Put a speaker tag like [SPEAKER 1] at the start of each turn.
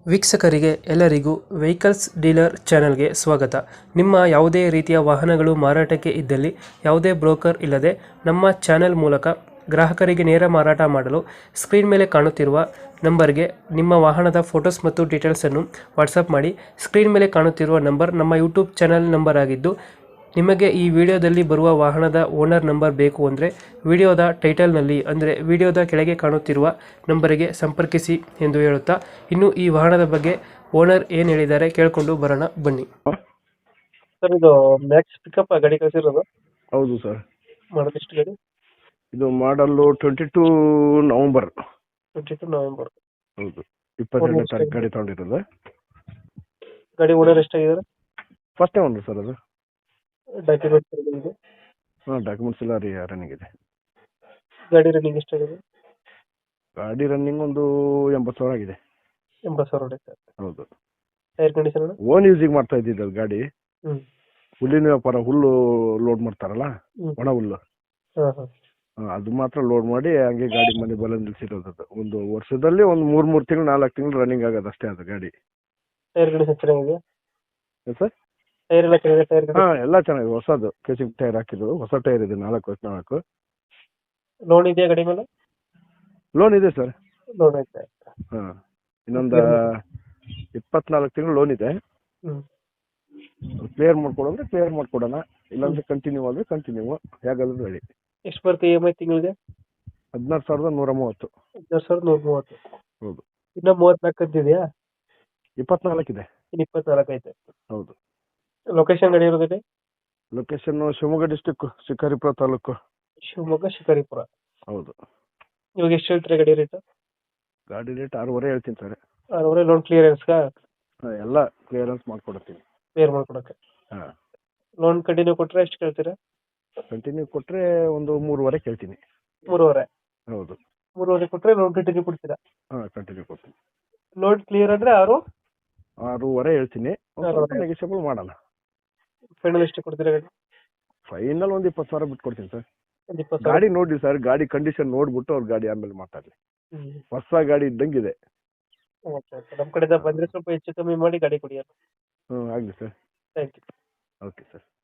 [SPEAKER 1] ವೀಕ್ಷಕರಿಗೆ ಎಲ್ಲರಿಗೂ vehicles dealer ಚಾನೆಲ್ಗೆ ಸ್ವಾಗತ. ನಿಮ್ಮ ಯಾವುದೇ ರೀತಿಯ ವಾಹನಗಳು ಮಾರಾಟಕ್ಕೆ ಇದ್ದಲ್ಲಿ ಯಾವುದೇ ಬ್ರೋಕರ್ ಇಲ್ಲದೆ ನಮ್ಮ ಚಾನೆಲ್ ಮೂಲಕ ಗ್ರಾಹಕರಿಗೆ ನೇರ ಮಾರಾಟ ಮಾಡಲು ಸ್ಕ್ರೀನ್ ಮೇಲೆ ಕಾಣುತ್ತಿರುವ ನಂಬರ್ಗೆ ನಿಮ್ಮ ವಾಹನದ ಫೋಟೋಸ್ ಮತ್ತು ಡೀಟೇಲ್ಸನ್ನು ವಾಟ್ಸಪ್ ಮಾಡಿ. ಸ್ಕ್ರೀನ್ ಮೇಲೆ ಕಾಣುತ್ತಿರುವ ನಂಬರ್ ನಮ್ಮ ಯೂಟ್ಯೂಬ್ ಚಾನೆಲ್ ನಂಬರ್ ಆಗಿದ್ದು, ನಿಮಗೆ ಈ ವಿಡಿಯೋದಲ್ಲಿ ಬರುವ ವಾಹನದ ಓನರ್ ನಂಬರ್ ಬೇಕು ಅಂದರೆ ವಿಡಿಯೋದ ಟೈಟಲ್ನಲ್ಲಿ ಅಂದರೆ ವಿಡಿಯೋದ ಕೆಳಗೆ ಕಾಣುತ್ತಿರುವ ನಂಬರಿಗೆ ಸಂಪರ್ಕಿಸಿ ಎಂದು ಹೇಳುತ್ತಾ, ಇನ್ನು ಈ ವಾಹನದ ಬಗ್ಗೆ ಓನರ್ ಏನು ಹೇಳಿದ್ದಾರೆ ಕೇಳಿಕೊಂಡು ಬರೋಣ ಬನ್ನಿ. ಸರ್, ಇದು ಮ್ಯಾಕ್ಸ್ ಪಿಕಪ್ ಗಾಡಿ ಕಳಿಸಿರೋದು?
[SPEAKER 2] ಹೌದು ಸರ್.
[SPEAKER 1] ಮಾಡೋದೆಷ್ಟು ಗಾಡಿ?
[SPEAKER 2] ಇದು ಮಾಡಲ್ಲು 22 ನವೆಂಬರ್.
[SPEAKER 1] 22 ನವೆಂಬರ್.
[SPEAKER 2] ಹೌದು, 22ನೇ ತಾರೀಕು ಗಾಡಿ ತಗೊಂಡಿರೋದು.
[SPEAKER 1] ಗಾಡಿ ಓನರ್ ಎಷ್ಟಾಗಿದ್ದಾರೆ?
[SPEAKER 2] ಫಸ್ಟೇ ಒಂದು ಸರ್ ಅದು.
[SPEAKER 1] ಡಾಕ್ಯುಮೆಂಟ್ಸ್ ಇದೆ?
[SPEAKER 2] ಹಾಂ, ಡಾಕ್ಯುಮೆಂಟ್ಸ್ ಎಲ್ಲ ರನ್ನಿಂಗ್ ಇದೆ.
[SPEAKER 1] ಗಾಡಿ ರನ್ನಿಂಗ್ ಎಷ್ಟಾಗಿದೆ?
[SPEAKER 2] ಗಾಡಿ ರನ್ನಿಂಗ್ ಒಂದು 80,000 ಆಗಿದೆ.
[SPEAKER 1] 80,000 ಹೊಡೆಯುತ್ತೆ.
[SPEAKER 2] ಹೌದು.
[SPEAKER 1] Tyre condition?
[SPEAKER 2] ಓನ್ ಯೂಸಿಗೆ ಮಾಡ್ತಾ ಇದ್ದಿದ್ದು ಅದು ಗಾಡಿ. ಹುಲ್ಲಿನ ವ್ಯಾಪಾರ, ಹುಲ್ಲು ಲೋಡ್ ಮಾಡ್ತಾರಲ್ಲ, ಒಣ ಹುಲ್ಲು. ಅದು ಮಾತ್ರ ಲೋಡ್ ಮಾಡಿ ಹಂಗೆ ಗಾಡಿ ಮನೆ ಬಲ ನಿಲ್ಸಿರೋದು. ಅದು ಒಂದು ವರ್ಷದಲ್ಲಿ ಒಂದು 3 ತಿಂಗಳು 4 ತಿಂಗಳು ರನ್ನಿಂಗ್ ಆಗೋದು ಅಷ್ಟೇ ಅದು ಗಾಡಿ.
[SPEAKER 1] ಟೈರ್ ಕಂಡೀಷನ್ ಚೆನ್ನಾಗಿದೆ
[SPEAKER 2] ಸರ್?
[SPEAKER 1] ಟೈರ್ ಎಲ್ಲ ಚೆನ್ನಾಗಿದೆ? ಟೈರ್
[SPEAKER 2] ಹಾಂ, ಎಲ್ಲ ಚೆನ್ನಾಗಿದೆ. ಹೊಸದು ಕೇಸಿಂಗ್ ಟೈರ್ ಹಾಕಿದ್ದು, ಹೊಸ ಟೈರ್ ಇದೆ. 4
[SPEAKER 1] ಲೋನ್ ಇದೆಯಾ ಗಾಡಿ ಮೇಲೆ?
[SPEAKER 2] ಲೋನ್ ಇದೆ ಸರ್.
[SPEAKER 1] ಲೋನ್ ಐತೆ.
[SPEAKER 2] ಹಾಂ, ಇನ್ನೊಂದು 24 ತಿಂಗಳು ಲೋನ್ ಇದೆ. ಕ್ಲಿಯರ್ ಮಾಡ್ಕೊಡೋದ್ರೆ ಕ್ಲಿಯರ್ ಮಾಡ್ಕೊಡೋಣ, ಇಲ್ಲಾಂದ್ರೆ ಕಂಟಿನ್ಯೂ ಆದರೆ ಕಂಟಿನ್ಯೂ, ಹೇಗಾದ್ರೂ ರೆಡಿ.
[SPEAKER 1] ಎಷ್ಟು ಬರುತ್ತೆ EMI ತಿಂಗಳಿಗೆ?
[SPEAKER 2] 16,130.
[SPEAKER 1] 16,130.
[SPEAKER 2] ಹೌದು.
[SPEAKER 1] ಇನ್ನ 34 ಅಂತಿದೆಯಾ?
[SPEAKER 2] 24 ಇದೆ.
[SPEAKER 1] ಇನ್ನು 24 ಐತೆ.
[SPEAKER 2] ಹೌದು.
[SPEAKER 1] ಲೊಕೇಶನ್ ಗಾಡಿ ಇರೋದಿದೆ?
[SPEAKER 2] Location Shivamogga district, Shikaripura taluk.
[SPEAKER 1] ಶಿವಮೊಗ್ಗ ಶಿಕಾರಿಪುರ.
[SPEAKER 2] ಹೌದು.
[SPEAKER 1] ಇವಾಗ ಎಷ್ಟು ಹೇಳ್ತೀರಾ ಗಾಡಿ ರೇಟ್?
[SPEAKER 2] ಗಾಡಿ ರೇಟ್ 6.5 ಹೇಳ್ತೀನಿ ಸರ್.
[SPEAKER 1] 6.5 ಲೋನ್ ಕ್ಲಿಯರೆನ್ಸ್ಗಾ?
[SPEAKER 2] ಹಾಂ, ಎಲ್ಲ ಕ್ಲಿಯರೆನ್ಸ್ ಮಾಡ್ಕೊಡ್ತೀನಿ.
[SPEAKER 1] ಕ್ಲಿಯರ್ ಮಾಡ್ಕೊಡಕ್ಕೆ?
[SPEAKER 2] ಹಾಂ.
[SPEAKER 1] ಲೋನ್ ಕಂಟಿನ್ಯೂ ಕೊಟ್ಟರೆ ಎಷ್ಟು ಕೇಳ್ತೀರಾ?
[SPEAKER 2] ಕಂಟಿನ್ಯೂ ಕೊಟ್ಟರೆ ಒಂದು 3.5 ಕೇಳ್ತೀನಿ.
[SPEAKER 1] 3.5?
[SPEAKER 2] ಹೌದು.
[SPEAKER 1] 3.5 ಕೊಟ್ಟರೆ ಲೋನ್ ಕಂಟಿನ್ಯೂ ಕೊಡ್ತೀರಾ?
[SPEAKER 2] ಹಾಂ, ಕಂಟಿನ್ಯೂ ಕೊಡ್ತೀನಿ.
[SPEAKER 1] ಲೋನ್ ಕ್ಲಿಯರ್ ಅಂದರೆ
[SPEAKER 2] 6.5 ಹೇಳ್ತೀನಿ. ನೆಗೆಷಿಯಬಲ್ ಮಾಡೋಣ.
[SPEAKER 1] ಫೈನಲ್ ಎಷ್ಟು ಕೊಡ್ತೀರಾ ಗಾಡಿ?
[SPEAKER 2] ಫೈನಲ್ ಒಂದು 20,000 ಬಿಟ್ಟು ಕೊಡ್ತೀನಿ ಸರ್.
[SPEAKER 1] 20,000?
[SPEAKER 2] ಗಾಡಿ ನೋಡಿ ಸರ್, ಗಾಡಿ ಕಂಡೀಷನ್ ನೋಡ್ಬಿಟ್ಟು ಅವ್ರ ಗಾಡಿ ಆಮೇಲೆ ಮಾತಾಡಲಿ. ಹೊಸ ಗಾಡಿ ಇದ್ದಂಗಿದೆ.
[SPEAKER 1] ಓಕೆ, ನಮ್ಮ ಕಡೆಯಿಂದ ಬಂದರೆ ಸ್ವಲ್ಪ ಹೆಚ್ಚು ಕಮ್ಮಿ ಮಾಡಿ ಗಾಡಿ ಕೊಡಿ.
[SPEAKER 2] ಹ್ಞೂ, ಆಗಲಿ sir.
[SPEAKER 1] Thank you.
[SPEAKER 2] Okay sir.